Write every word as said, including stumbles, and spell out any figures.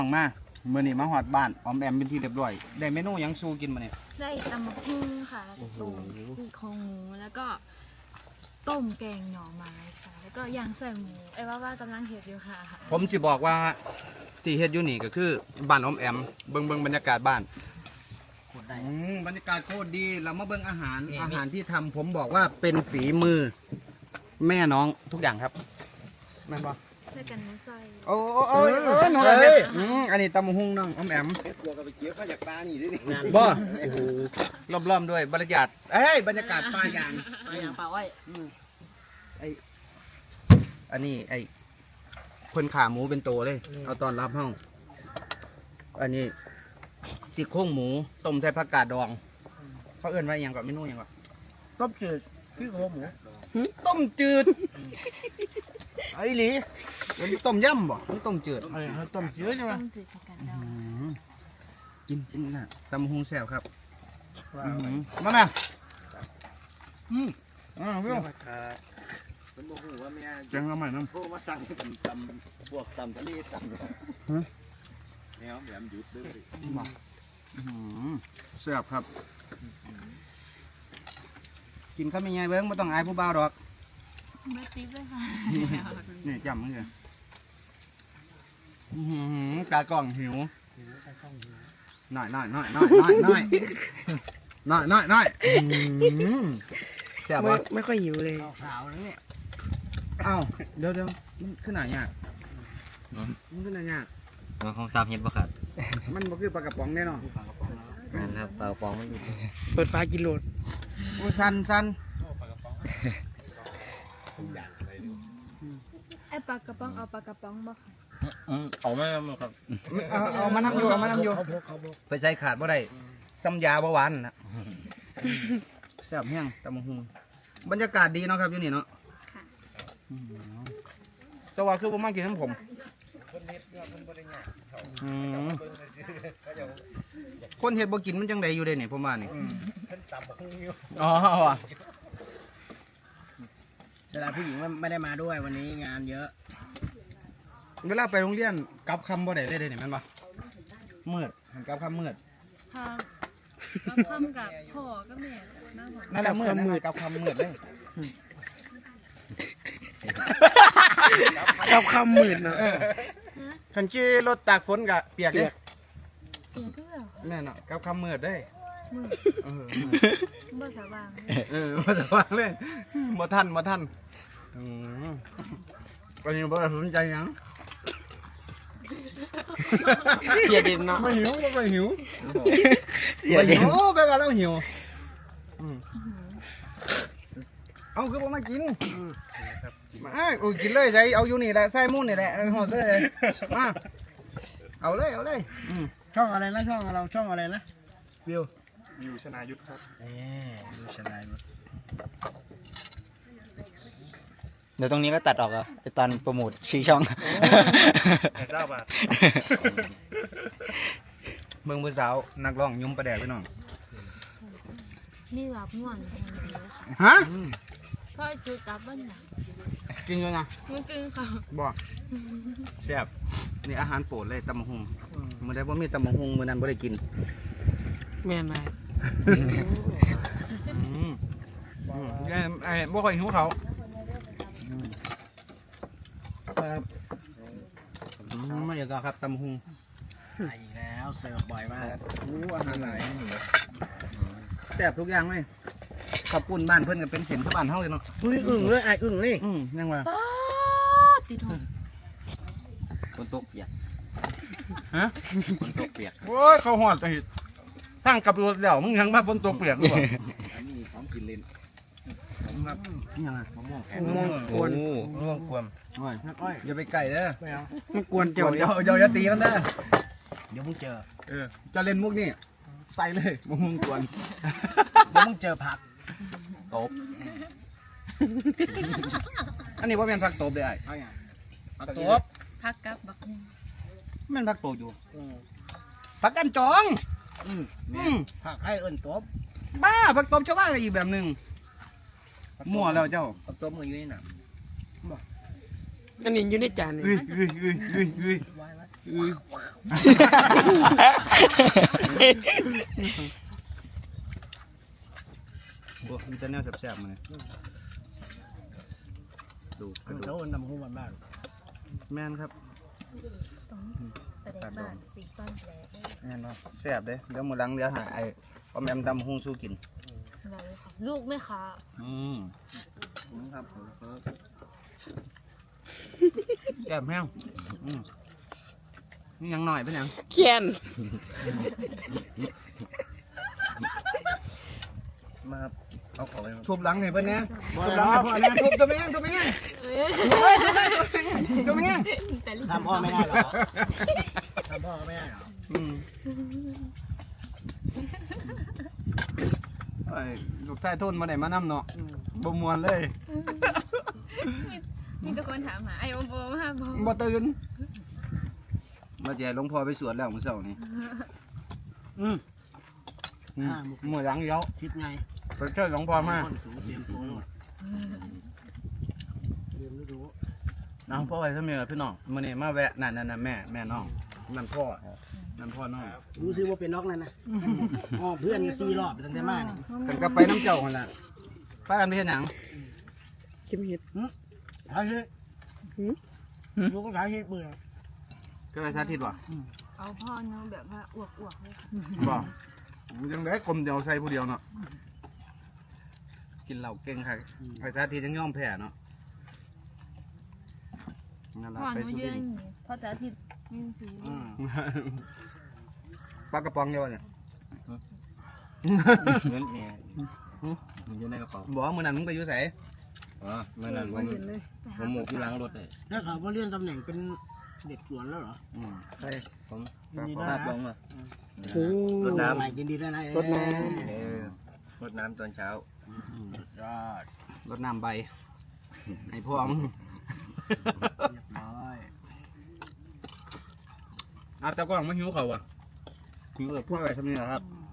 ฟังมาเมื่อนี้มาหอดบ้านออมแอมเป็นที่เรียบร้อยได้เมนูยังสู้กินมาเนี่ยได้ตำมะฮุ่งค่ะแล้วก็ต้มซี่โครงหมูแล้วก็ต้มแกงหน่อไม้ค่ะแล้วก็ย่างใส่หมูไอ้ว่าว่ากำลังเห็ดอยู่ค่ะผมสิบอกว่าที่เฮ็ดอยู่นี่ก็คือบ้านออมแอมเบิ่งเบิ่งบรรยากาศบ้านอืมบรรยากาศโคตรดีเรามาเบิ่งอาหารอาหารที่ทำผมบอกว่าเป็นฝีมือ แม่น้องทุกอย่างครับแม่นบ่ใส่กันหมูใส่โอ้โอ้โอ้ยเออน้องอะไรเนี่ยอืมอันนี้ตำบักหุ่งน้องออมแอมกลัวกับไปเกี่ยวข้าจากปลานี่ด้วยนี่บ่โอ้โหล้อมๆด้วยบรรยากาศเอ้ยบรรยากาศปลายางปลาอย่างปลาไว้ไออันนี้ไอคนขาหมูเป็นตัวเลย เอาตอนรับห้อง อันนี้ซี่โครงหมูต้มใส่ผักกาดดอง เขาเอื่นว่าอหย่างก่อนเมนูอหย่างก่อนต้มจืดพี่โคหมูต้มจืด ไอ้หลีมันต้มยำบ่มันต้มจืดอะไรต้มจืดใช่ไหมต้มจืดผักกาดดองอืมกินกินน่ะตำบักหุงแซ่บครับอื้อหือมาแม่อืมอ่าวิวมันบอกว่าแม่จังเอาใหม่น้ำโทรมาสั่งให้ตำตำพวกตำทะเลตำแนวแบบหยุดเลยอื้อหือแซ่บครับ กินข้าวไม่ใหญ่เบิ้งไม่ต้องอายผู้บ่าวดอกไม่ติ๊บเลยค่ะนี่จำมันเลยอื้อหือกากล้องหิวหน่อยหน่อยหน่อยหน่อยหน่อยหน่อยหน่อยหน่อยหน่อยอื้อหือแซ่บไม่วะไม่ค่อยหิวเลยขาวๆนะเนี่ยเอ้าเดี๋ยวเดี๋ยวมันขึ้นไหนเนี่ยมันขึ้นไหนเนี่ยมันคงซ้ำเฮ็ดบ่ครับมันบ่คือปลากระป๋องแน่นอนปลากระป๋องแล้วนั่นครับปลากระป๋องมันอยู่เปิดฟ้ากินโหลดโอ้สันสันไอ้ปลากระป๋องเอาปลากระป๋องบ่ค่ะอืมเอาไม่มาครับเอาเอามานำอยู่เอามานำอยู่เขาพกเขาพกไปใส่ขาดบ่ได้ซ้ำยาบ่หวานนะแซ่บแห้งตำบักหุ่งบรรยากาศดีเนาะครับอยู่นี่เนาะค่ะจะว่าคือผมมากินน้ำผมอืมคนเฮ็ดบ่กินมันจังไดอยู่เด้นี่ผมว่านี่อ๋อว่ะเวลาผู้หญิงไม่ได้มาด้วยวันนี้งานเยอะเวลาไปโรงเรียนกลับคำบ่ได้เลยเด้นี่แม่นบ่มืดหันกลับคำมืดค่ะก็พร้อมกับพ่อกับแม่น้าผมนั่นแหละมืดนะกลับคำมืดเลยกับคำหมื่นเนาะคันขี่รถตากฝนก็เปียกเด้เสียงคือแบบแม่นเนาะกลับคำมืดเด้มือเออบ่สว่างเออมาสว่างเลยบ่ทันบ่ทันอืมอันนี้บ่ได้สนใจหยังเสียดินเนาะไม่หิวไม่หิวเสียไม่ดิหินวไปว่าเราหิวอืมเอาคือบ่มากินมาโอ้ยกินเลยใจเอาอยู่นี่แหละใส่หมูนี่แหละเอาหอดเลยมาเอาเลยเอาเลยอืมช่องอะไรนะช่องเราช่องอะไรนะวิววิวชนายุทธครับเออวิวชนายุทธเดี๋ยวตรงนี้ก็ตัดออกอ่ะไอตอนโปรโมทชื่อช่องเจ้าบาทเมืองผู้สาวนักร้องยุ่มประแดดพี่น้องมีหลับม่วนแทนเลยค่ะฮะพ่อจุดกลับบ้านหนังกินอยู่นะมันกินค่ะบ่แซ่บนี่อาหารโปรดเลยตำบักหุ่งมื้อใดบ่มีตำบักหุ่งมื้อนั้นบ่ได้กินแม่นไหมอืมอืมไอ้ไอ้บ่ค่อยหิวเขาอืมครับอืมมาอย่างก็ครับตำบักหุ่งมาอีกแล้วเสิร์ฟบ่อยมากอู้อาหารหลายแซ่บทุกอย่างเลยข้าวปุ้นบ้านเพิ่นก็เป็นเสียงคือบ้านเฮาเลยเนาะอุ้ยอึ่งเลยไอ้อึ่งนี่อืมยังว่าป๊าดติดหงคนตกเปียกฮะคนตกเปียกโอ้ยเขาหอดไอ้สร้างกับรถแล้วมึงยังมาฝนตกเปียกอยู่บ่อันนี้ของกินเล่นครับนี่ยังไงมะม่วงแข็งมองกวนมะม่วงกวมโอ้ยน้ำอ้อยอย่าไปไก่เด้อไม่เอามันกวนเดี๋เจ้ายวเดี๋ยวเดี๋ยวอย่าตีมันเด้อเดี๋ยวมึงเจอเออจะเล่นมุกนี่ใส่เลยมะม่วงกวนเดี๋ยวมึงเจอผักตบอันนี้ว่าเป็นผักตบเลยไอ้เอาอย่างผักตตบบพักกับบักฮุ่งแม่นผักตบอยู่อืมผักกันจองอืมอืมผักให้เอิ้นตบบ้าผักตบชาวบ้านก็อีกแบบหนึ่งมั่วแล้วเจ้าผักตบมึงอยู่ในหนังอันนี้อยู่ในจานนี่เฮ้ยเฮ้ยเฮ้ยเฮ้ยเฮ้ยไว้ไว้โอ้มีแต่แนวแซ่บๆมาเลยดูกระดูเขากนำหุ้มบ้านแม่นครับประเด็นบ้านสีฟ้าแดงแม่นเนาะแซ่บเด้เดี๋ยวมื้อหลังเดี๋ยวหาไอ้ออมแอมดำหุงสู้กินอะไรค่ะลูกไหม่ค่ะอืมครับแซ่บแห้งอืมนี่ยังหน่อยเป็นยังเขียนมาครับเอาของไปทุบหลังให้เพิ่นแหน่ทุบหลังให้พ่อแหน่ทุบตัวแม่งทุบแม่งทุบแม่งแต่ลูกทำพ่อไม่ได้หรอทำพ่อไม่ได้หรออืมไอ้ลูกชายทุนมาได้มานำเนาะบ่ม่วนเลยมีทุกคนถามหาไอ้โอโบมาโบบ่ตื่นมาแจหลวงพ่อไปสวดแล้วมื้อเช้านี้อืมอืมมื้อหลังเดี๋ยวทิศไงไปเชิญหลวงพ่อมาคนสูงเตรียมตัวเตรียมฤดูน้องพ่อไปซะเมียพี่น้องมื้อนี้มาแวะนั่นนั่นแม่แม่น้องนั่นพ่อนั่นพ่อน้องรู้ซิว่าเป็นน็อกนั่นนะอ๋อเพื่อนก็สี่รอบตั้งแต่มาเนี่ยกันก็ไปน้ำเจ้าหั่นล่ะพากันไปเฮ็ดหยังชิมเห็ดหาเฮ้ยลูกก็หาเฮ้ยเบื่อก็ไปสาธิตบ่เอาพ่อเนาะแบบว่าอวกๆเลยค่ะบ่ยังได้กลมเดียวใส่ผู้เดียวเนาะกินเหล้าเก่งค่ะไปสาธิตยังยอมแพ้เนาะนั่นล่ะพ่อไปหนูสุยืรินนทร์อยู่พอจะอาทิตย์ยืนสีอืมปลากระป๋องเดียวเนี่ยเงินเนี่ยมันอยู่ในกระเป๋าบอกว่ามื้อนั้นมึงไปอยู่ไสอ๋อเมื่อนั้นผมผมหมกที่ล้างรถเลยแล้วเขาเลื่อนตำแหน่งเป็นเด็กสวนแล้วเหรออืมใช่ผมยินดีด้วยภาพนะลงมาโอ้รดน้ใหม่ยินดีด้วยนะรดน้ำเออรดน้ำตอนเช้ายอดรดน้ำใบไอ้พวกมึงเรียบร้อยเอาแต่กล้องไม่หิวเขาอ่ะหิวเออพวกอะไรทำนี่นะครับอ